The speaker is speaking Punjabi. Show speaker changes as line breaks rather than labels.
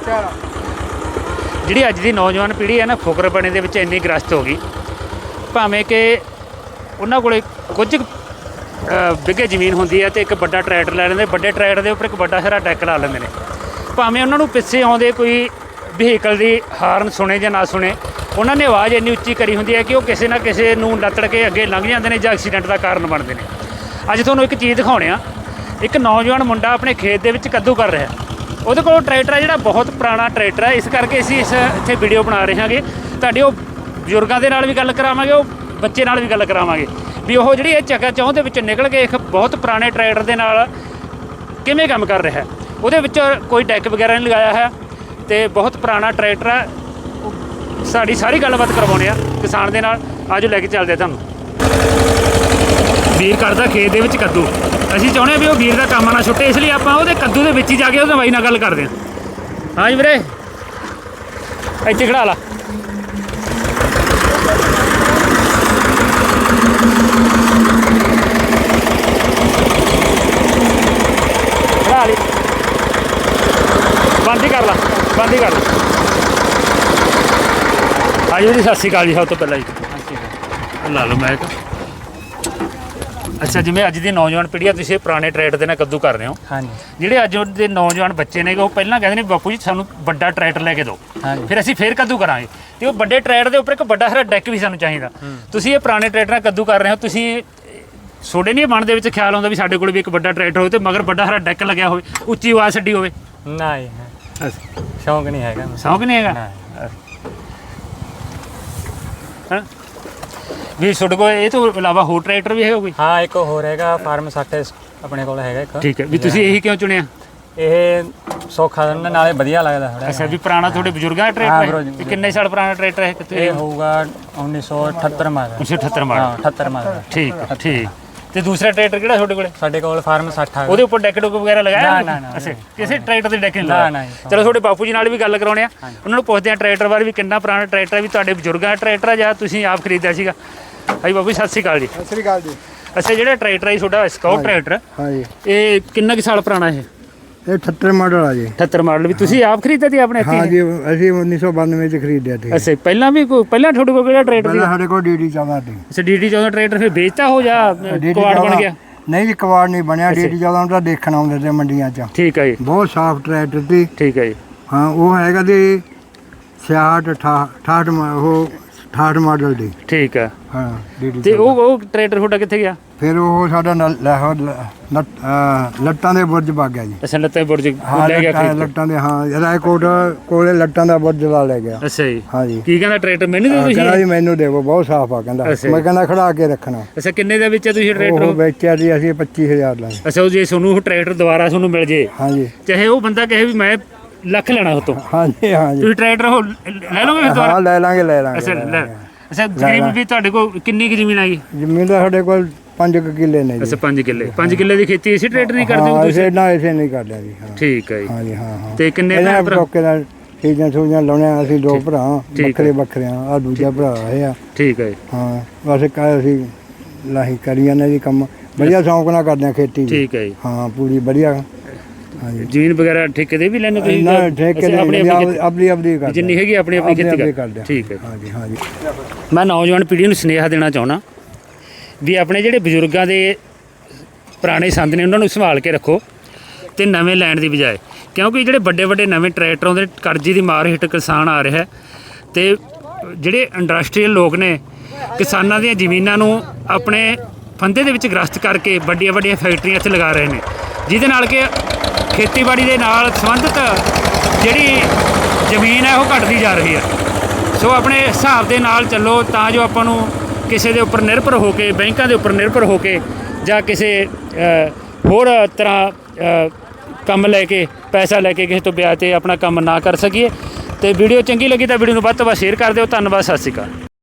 ਜਿਹੜੀ ਅੱਜ ਦੀ ਨੌਜਵਾਨ ਪੀੜ੍ਹੀ ਹੈ ਨਾ ਫੁਕਰਪਣੇ ਦੇ ਵਿੱਚ ਇੰਨੀ ਗ੍ਰਸਤ ਹੋ ਗਈ, ਭਾਵੇਂ ਕਿ ਉਹਨਾਂ ਕੋਲ ਕੁਝ ਬਿੱਗੇ ਜ਼ਮੀਨ ਹੁੰਦੀ ਹੈ ਤੇ ਇੱਕ ਵੱਡਾ ਟਰੈਕਟਰ ਲੈ ਲੈਂਦੇ, ਵੱਡੇ ਟਰੈਕਟਰ ਦੇ ਉੱਪਰ ਇੱਕ ਵੱਡਾ ਸਾਰਾ ਡੈਕ ਲਾ ਲੈਂਦੇ ਨੇ। ਭਾਵੇਂ ਉਹਨਾਂ ਨੂੰ ਪਿੱਛੇ ਆਉਂਦੇ ਕੋਈ ਵਹੀਕਲ ਦੀ ਹਾਰਨ ਸੁਣੇ ਜਾਂ ਨਾ ਸੁਣੇ, ਉਹਨਾਂ ਨੇ ਆਵਾਜ਼ ਇੰਨੀ ਉੱਚੀ ਕਰੀ ਹੁੰਦੀ ਹੈ ਕਿ ਉਹ ਕਿਸੇ ਨਾ ਕਿਸੇ ਨੂੰ ਲੱਤੜ ਕੇ ਅੱਗੇ ਲੰਘ ਜਾਂਦੇ ਨੇ ਜਾਂ ਐਕਸੀਡੈਂਟ ਦਾ ਕਾਰਨ ਬਣਦੇ ਨੇ। ਅੱਜ ਤੁਹਾਨੂੰ ਇੱਕ ਚੀਜ਼ ਦਿਖਾਉਣੇ ਆ, ਇੱਕ ਨੌਜਵਾਨ ਮੁੰਡਾ ਆਪਣੇ ਖੇਤ ਦੇ ਵਿੱਚ ਕੱਦੂ ਕਰ ਰਿਹਾ। ਉਹਦੇ ਕੋਲ ਟਰੈਕਟਰ ਹੈ ਜਿਹੜਾ ਬਹੁਤ ਪੁਰਾਣਾ ਟਰੈਕਟਰ ਹੈ, ਇਸ ਕਰਕੇ ਅਸੀਂ ਇੱਥੇ ਵੀਡੀਓ ਬਣਾ ਰਹੇ ਹਾਂਗੇ। ਤੁਹਾਡੇ ਉਹ ਬਜ਼ੁਰਗਾਂ ਦੇ ਨਾਲ ਵੀ ਗੱਲ ਕਰਾਵਾਂਗੇ, ਉਹ ਬੱਚੇ ਨਾਲ ਵੀ ਗੱਲ ਕਰਾਵਾਂਗੇ ਵੀ ਉਹ ਜਿਹੜੀ ਇਹ ਚੱਕਾ ਚੌਂਹ ਦੇ ਵਿੱਚ ਨਿਕਲ ਕੇ ਇੱਕ ਬਹੁਤ ਪੁਰਾਣੇ ਟਰੈਕਟਰ ਦੇ ਨਾਲ ਕਿਵੇਂ ਕੰਮ ਕਰ ਰਿਹਾ। ਉਹਦੇ ਵਿੱਚ ਕੋਈ ਡੈਕ ਵਗੈਰਾ ਨਹੀਂ ਲਗਾਇਆ ਹੈ ਤੇ ਬਹੁਤ ਪੁਰਾਣਾ ਟਰੈਕਟਰ ਹੈ। ਸਾਡੀ ਸਾਰੀ ਗੱਲਬਾਤ ਕਰਵਾਉਣੇ ਆ ਕਿਸਾਨ ਦੇ ਨਾਲ, ਆਜੋ ਲੈ ਕੇ ਚੱਲਦੇ ਤੁਹਾਨੂੰ। ਵੀਰ ਕਰਦਾ ਖੇਤ ਦੇ ਵਿੱਚ ਕੱਦੂ, ਅਸੀਂ ਚਾਹੁੰਦੇ ਹਾਂ ਵੀ ਉਹ ਵੀਰ ਦਾ ਕੰਮ ਨਾ ਛੁੱਟੇ, ਇਸ ਲਈ ਆਪਾਂ ਉਹਦੇ ਕੱਦੂ ਦੇ ਵਿੱਚ ਹੀ ਜਾ ਕੇ ਉਹਦੇ ਬਾਈ ਨਾਲ ਗੱਲ ਕਰਦੇ ਹਾਂ। ਹਾਂਜੀ ਵੀਰੇ, ਇੱਥੇ ਖੜਾ ਲਾ। ਖੜਾ ਲਈ, ਬੰਦ ਹੀ ਕਰ ਲਾ, ਬੰਦ ਹੀ ਕਰ ਲਾ। ਹਾਂਜੀ ਵੀਰੇ, ਸਤਿ ਸ਼੍ਰੀ ਅਕਾਲ ਜੀ। ਸਭ ਤੋਂ ਪਹਿਲਾਂ ਜੀ ਲਾ ਲਓ ਮੈਕ। ਅੱਛਾ, ਜਿਵੇਂ ਅੱਜ ਦੀ ਨੌਜਵਾਨ ਪੀੜ੍ਹੀ ਆ, ਤੁਸੀਂ ਪੁਰਾਣੇ ਟਰੈਕਟਰ ਦੇ ਨਾਲ ਕੱਦੂ ਕਰ ਰਹੇ ਹੋ। ਹਾਂਜੀ। ਜਿਹੜੇ ਅੱਜ ਦੇ ਨੌਜਵਾਨ ਬੱਚੇ ਨੇ ਉਹ ਪਹਿਲਾਂ ਕਹਿੰਦੇ ਨੇ ਬਾਪੂ ਜੀ ਸਾਨੂੰ ਵੱਡਾ ਟਰੈਕਟਰ ਲੈ ਕੇ ਦਿਓ, ਫਿਰ ਅਸੀਂ ਫੇਰ ਕੱਦੂ ਕਰਾਂਗੇ। ਤੇ ਉਹ ਵੱਡੇ ਟਰੈਕਟਰ ਦੇ ਉੱਪਰ ਇੱਕ ਵੱਡਾ ਸਾਰਾ ਡੈਕ ਵੀ ਸਾਨੂੰ ਚਾਹੀਦਾ। ਤੁਸੀਂ ਇਹ ਪੁਰਾਣੇ ਟਰੈਕਟਰ ਨਾਲ ਕੱਦੂ ਕਰ ਰਹੇ ਹੋ, ਤੁਸੀਂ ਤੁਹਾਡੇ ਨਹੀਂ ਮਨ ਦੇ ਵਿੱਚ ਖਿਆਲ ਆਉਂਦਾ ਵੀ ਸਾਡੇ ਕੋਲ ਵੀ ਇੱਕ ਵੱਡਾ ਟਰੈਕਟਰ ਹੋਵੇ ਤੇ ਮਗਰ ਵੱਡਾ ਸਾਰਾ ਡੈਕ ਲੱਗਿਆ ਹੋਵੇ, ਉੱਚੀ ਆਵਾਜ਼ ਛੱਡੀ ਹੋਵੇ?
ਨਾ ਜੀ, ਸ਼ੌਂਕ ਨਹੀਂ ਹੈਗਾ।
ਸ਼ੌਂਕ ਨਹੀਂ ਹੈਗਾ ਹਾਂ ਵੀ ਤੁਹਾਡੇ ਕੋਲ ਇਹ ਤੋਂ ਇਲਾਵਾ ਹੋਰ ਟਰੈਕਟਰ ਵੀ ਹੈਗਾ ਕੋਈ?
ਹਾਂ, ਇੱਕ ਹੋਰ ਹੈਗਾ ਫਾਰਮ 60 ਆਪਣੇ ਕੋਲ ਹੈਗਾ ਇੱਕ।
ਠੀਕ ਹੈ, ਵੀ ਤੁਸੀਂ ਇਹੀ ਕਿਉਂ ਚੁਣਿਆ?
ਇਹ ਸੌਖਾ ਨਾਲੇ ਵਧੀਆ ਲੱਗਦਾ ਥੋੜਾ।
ਅੱਛਾ, ਵੀ ਪੁਰਾਣਾ ਤੁਹਾਡੇ ਬਜ਼ੁਰਗਾਂ ਦਾ ਟਰੈਕਟਰ ਹੈ? ਕਿੰਨੇ ਸਾਲ ਪੁਰਾਣਾ ਟਰੈਕਟਰ ਹੈ?
ਇਹ ਹੋਊਗਾ 1978 ਮਾਡਲ।
1978 ਮਾਡਲ?
ਹਾਂ, 78 ਮਾਡਲ।
ਠੀਕ ਹੈ, ਠੀਕ। ਤੇ ਦੂਸਰਾ ਟਰੈਕਟਰ ਕਿਹੜਾ ਤੁਹਾਡੇ ਕੋਲੇ?
ਸਾਡੇ ਕੋਲ ਫਾਰਮ 60
ਉਹਦੇ ਉੱਪਰ ਡੈਕ ਡੁੱਕ ਵਗੈਰਾ ਲਗਾਇਆ?
ਨਾ।
ਅੱਛਾ, ਕਿਸੇ ਟਰੈਕਟਰ ਦੇ ਡੈਕ ਨਹੀਂ ਲਗਾਇਆ? ਚਲੋ ਤੁਹਾਡੇ ਬਾਪੂ ਜੀ ਨਾਲ ਵੀ ਗੱਲ ਕਰਾਉਣੇ ਆ, ਉਹਨਾਂ ਨੂੰ ਪੁੱਛਦੇ ਆ ਟਰੈਕਟਰ ਬਾਰੇ ਵੀ ਕਿੰਨਾ ਪੁਰਾਣਾ ਟਰੈਕਟਰ ਹੈ, ਵੀ ਤੁਹਾਡੇ ਬਜ਼ੁਰਗਾਂ ਦਾ ਟਰੈਕਟਰ ਹੈ ਜਾਂ ਤੁਸੀਂ ਆਪ ਖਰੀਦਿਆ ਸੀਗਾ। ਹਾਂਜੀ ਬਾਪੂ ਜੀ, ਸਤਿ ਸ਼੍ਰੀ ਅਕਾਲ ਜੀ।
ਸਤਿ ਸ਼੍ਰੀ ਅਕਾਲ ਜੀ।
ਅੱਛਾ, ਜਿਹੜਾ ਟਰੈਕਟਰ ਹੈ ਤੁਹਾਡਾ ਸਕਾਊਟ ਟਰੈਕਟਰ,
ਹਾਂਜੀ,
ਇਹ ਕਿੰਨਾ ਕੁ ਸਾਲ ਪੁਰਾਣਾ ਹੈ?
ਇਹ 78 ਮਾਡਲ ਆ ਜੀ।
78 ਮਾਡਲ ਵੀ ਤੁਸੀਂ ਆਪ ਖਰੀਦਿਆ ਸੀ ਆਪਣੇ?
ਹਾਂ ਜੀ, ਅਸੀਂ 1992 ਚ ਖਰੀਦਿਆ ਸੀ।
ਅੱਛਾ, ਪਹਿਲਾਂ ਵੀ ਪਹਿਲਾਂ ਤੁਹਾਡੇ ਕੋਲ ਕਿਹੜਾ ਟਰੈਕਟਰ ਸੀ?
ਸਾਡੇ ਕੋਲ ਡੀਡੀ 14 ਸੀ।
ਅੱਛਾ, ਡੀਡੀ 14 ਟਰੈਕਟਰ ਫਿਰ ਵੇਚਤਾ ਹੋ ਜਾਂ ਕੁਆੜ ਬਣ ਗਿਆ?
ਨਹੀਂ ਜੀ, ਕੁਆੜ ਨਹੀਂ ਬਣਿਆ। ਡੀਡੀ 14 ਤਾਂ ਦੇਖਣ ਆਉਂਦੇ ਤੇ ਮੰਡੀਆਂ 'ਚ।
ਠੀਕ ਹੈ ਜੀ।
ਬਹੁਤ ਸਾਫ਼ ਟਰੈਕਟਰ ਸੀ।
ਠੀਕ ਹੈ ਜੀ।
ਹਾਂ, ਉਹ ਹੈਗਾ ਜੀ 66 ਉਹ 68 ਮਾਡਲ ਦੀ।
ਠੀਕ ਹੈ।
ਹਾਂ, ਡੀਡੀ
ਤੇ ਉਹ ਟਰੈਕਟਰ ਤੁਹਾਡਾ ਕਿੱਥੇ ਗਿਆ?
ਫਿਰ ਉਹ ਸਾਡਾ ਲੱਟਾਂ ਦੇ ਬੁਰਜ ਵਗ ਗਿਆ ਜੀ।
ਅੱਛਾ, ਲੱਟਾਂ ਦੇ ਬੁਰਜ ਲੈ ਗਿਆ?
ਲੱਟਾਂ ਦੇ, ਹਾਂ, ਰਾਏਕੋਟ ਕੋਲੇ ਲੱਟਾਂ ਦਾ ਬੁਰਜ ਲਾ ਲੈ ਗਿਆ।
ਅੱਛਾ ਜੀ।
ਹਾਂ ਜੀ।
ਕੀ ਕਹਿੰਦਾ ਟਰੈਕਟਰ? ਮੈਨੂੰ ਦੇ ਤੁਸੀਂ?
ਕਹਿੰਦਾ ਜੀ ਮੈਨੂੰ ਦੇਵੋ, ਬਹੁਤ ਸਾਫ਼ ਆ ਕਹਿੰਦਾ। ਮੈਂ ਕਹਿੰਦਾ ਖੜਾ ਕੇ ਰੱਖਣਾ।
ਅੱਛਾ, ਕਿੰਨੇ ਦਾ ਵੇਚਿਆ ਤੁਸੀਂ ਟਰੈਕਟਰ?
ਉਹ ਵੇਚਿਆ ਜੀ ਅਸੀਂ 25000 ਦਾ।
ਅੱਛਾ, ਉਹ ਜੇ ਤੁਹਾਨੂੰ ਉਹ ਟਰੈਕਟਰ ਦੁਬਾਰਾ ਤੁਹਾਨੂੰ ਮਿਲ ਜੇ,
ਹਾਂ ਜੀ,
ਚਾਹੇ ਉਹ ਬੰਦਾ ਕਹੇ ਵੀ ਮੈਂ ਲੱਖ ਲੈਣਾ ਉਹ ਤੋਂ,
ਹਾਂ ਜੀ, ਹਾਂ ਜੀ,
ਤੁਸੀਂ ਟਰੈਕਟਰ ਉਹ ਲੈ ਲਓਗੇ ਫਿਰ ਦੁਬਾਰਾ?
ਹਾਂ, ਲੈ ਲਾਂਗੇ।
ਅੱਛਾ, ਤਕਰੀਬਨ ਵੀ ਤੁਹਾਡੇ ਕੋਲ ਕਿੰਨੀ ਕੁ ਜ਼ਮੀਨ ਆਈ?
ਜ਼ਮੀਨ ਦਾ ਸਾਡੇ ਕੋਲ 5 ਕਿੱਲੇ ਨੇ ਜੀ।
ਅੱਛਾ, 5 ਕਿੱਲੇ। 5 ਕਿੱਲੇ ਦੀ ਖੇਤੀ ਇਸੇ ਟਰੈਕਟਰ ਨਹੀਂ ਕਰਦੇ ਹੋ ਤੁਸੀਂ?
ਨਾ, ਇਸੇ ਨਹੀਂ ਕਰਦੇ ਜੀ।
ਠੀਕ ਹੈ ਜੀ।
ਹਾਂ ਜੀ, ਹਾਂ।
ਤੇ ਕਿੰਨੇ ਭਰਾ?
ਨਾਲ ਸੀਜ਼ਨ ਲਾਉਣੇ ਅਸੀਂ 2 ਭਰਾ, ਵੱਖਰੇ ਆ। ਦੂਜਾ ਭਰਾ ਇਹ ਆ।
ਠੀਕ ਹੈ।
ਹਾਂ, ਬਸ ਅਸੀਂ ਲਾਹੀ ਕਰੀ ਜਾਂਦੇ ਜੀ ਕੰਮ, ਵਧੀਆ ਸ਼ੌਂਕ ਨਾਲ ਕਰਦੇ ਆ ਖੇਤੀ।
ਠੀਕ ਹੈ ਜੀ।
ਹਾਂ, ਪੂਰੀ ਵਧੀਆ। ਹਾਂਜੀ,
ਜ਼ਮੀਨ ਵਗੈਰਾ ਠੇਕੇ ਦੇ ਵੀ ਲੈਣੇ ਤੁਸੀਂ?
ਨਾ, ਠੇਕੇ ਦੇ ਆਪਣੀ ਕਰਦੇ,
ਜਿੰਨੀ ਹੈਗੀ ਆਪਣੀ ਖੇਤੀ ਕਰਦੇ। ਠੀਕ ਹੈ।
ਹਾਂ ਜੀ।
ਮੈਂ ਨੌਜਵਾਨ ਪੀੜ੍ਹੀ ਨੂੰ ਸੁਨੇਹਾ ਦੇਣਾ ਚਾਹੁੰਦਾ ਵੀ ਆਪਣੇ ਜਿਹੜੇ ਬਜ਼ੁਰਗਾਂ ਦੇ ਪੁਰਾਣੇ ਸੰਦ ਨੇ ਉਹਨਾਂ ਨੂੰ ਸੰਭਾਲ ਕੇ ਰੱਖੋ ਤੇ ਨਵੇਂ ਲੈਣ ਦੀ ਬਜਾਏ, ਕਿਉਂਕਿ ਜਿਹੜੇ ਵੱਡੇ ਨਵੇਂ ਟਰੈਕਟਰ ਆਉਂਦੇ ਕਰਜ਼ੇ ਦੀ ਮਾਰ ਹੇਠ ਕਿਸਾਨ ਆ ਰਿਹਾ ਤੇ ਜਿਹੜੇ ਇੰਡਸਟਰੀਅਲ ਲੋਕ ਨੇ ਕਿਸਾਨਾਂ ਦੀਆਂ ਜ਼ਮੀਨਾਂ ਨੂੰ ਆਪਣੇ ਫੰਦੇ ਦੇ ਵਿੱਚ ਗ੍ਰਸਤ ਕਰਕੇ ਵੱਡੀਆਂ ਫੈਕਟਰੀਆਂ ਇੱਥੇ ਲਗਾ ਰਹੇ ਨੇ, ਜਿਹਦੇ ਨਾਲ ਕਿ ਖੇਤੀਬਾੜੀ ਦੇ ਨਾਲ ਸੰਬੰਧਿਤ ਜਿਹੜੀ ਜ਼ਮੀਨ ਹੈ ਉਹ ਘਟਦੀ ਜਾ ਰਹੀ ਹੈ। ਸੋ ਆਪਣੇ ਹਿਸਾਬ ਦੇ ਨਾਲ ਚੱਲੋ ਤਾਂ ਜੋ ਆਪਾਂ ਨੂੰ ਕਿਸੇ ਦੇ ਉੱਪਰ ਨਿਰਭਰ ਹੋ ਕੇ, ਬੈਂਕਾਂ ਦੇ ਉੱਪਰ ਨਿਰਭਰ ਹੋ ਕੇ ਜਾਂ ਕਿਸੇ ਹੋਰ ਤਰ੍ਹਾਂ ਕੰਮ ਲੈ ਕੇ, ਪੈਸਾ ਲੈ ਕੇ ਕਿਸੇ ਤੋਂ ਵਿਆਜ 'ਤੇ ਆਪਣਾ ਕੰਮ ਨਾ ਕਰ ਸਕੀਏ। ਤੇ ਵੀਡੀਓ ਚੰਗੀ ਲੱਗੀ ਤਾਂ ਵੀਡੀਓ ਨੂੰ ਵੱਧ ਤੋਂ ਵੱਧ ਸ਼ੇਅਰ ਕਰ ਦਿਓ। ਧੰਨਵਾਦ, ਸਤਿ ਸ਼੍ਰੀ ਅਕਾਲ।